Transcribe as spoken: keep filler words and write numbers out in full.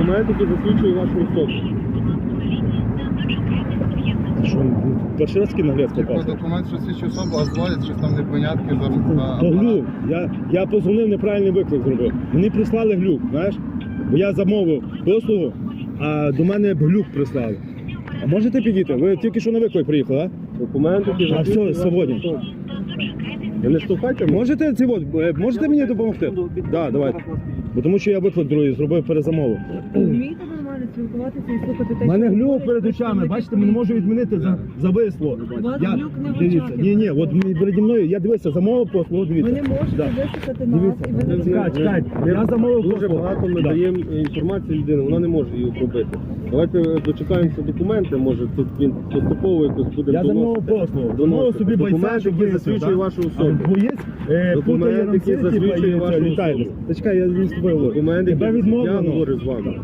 Документ, який засвідчує вашу особу. Що, перший раз такий нагляд Типу попався? документ, що свідчить особу, а зводять щось там непонятки за за То апарат. глюк. Я, я позвонив, неправильний виклик зробив. Мені прислали глюк, знаєш? Бо я замовив послугу, а до мене глюк прислали. А можете підійти? Ви тільки що на виклик приїхали, а? Документ, який А, засвідчує все, вашу свободен. особу. Ви не штовхайте мене? Можете ці от, е, можете мені допомогти? Так, да, давайте. Бо тому що я виклик другий зробив перезамову. Вмієте нормально спілкуватися і слухати те, У мене що глюк говорять перед очами, представники бачите, не можу поліції? відмінити, за- зависло. У вас Я, глюк не в дивіться, очах, ні, ні, я от мені переді мною, я дивився, замовив послугу, Ви дивіться. не можете Да. висухати нас, Дивіться, і ви не чекай, чекай, Ми я замовив дуже послугу. багато ми Да. даємо інформації людини, вона не може її обробити. Давайте дочекаємося документи, може тут він поступово якось буде Я замовив доносити. послугу. Доносити. Замовив собі бойця, Документ, щоб який виїхав, засвідчує да? вашу особу. А боєць е, Документ, путає нам який сир, типа, засвідчує і вашу літає. особу. Та чекай, я не з тобою говорю. Документ, Тебе який я відмовлено. говорю з вами.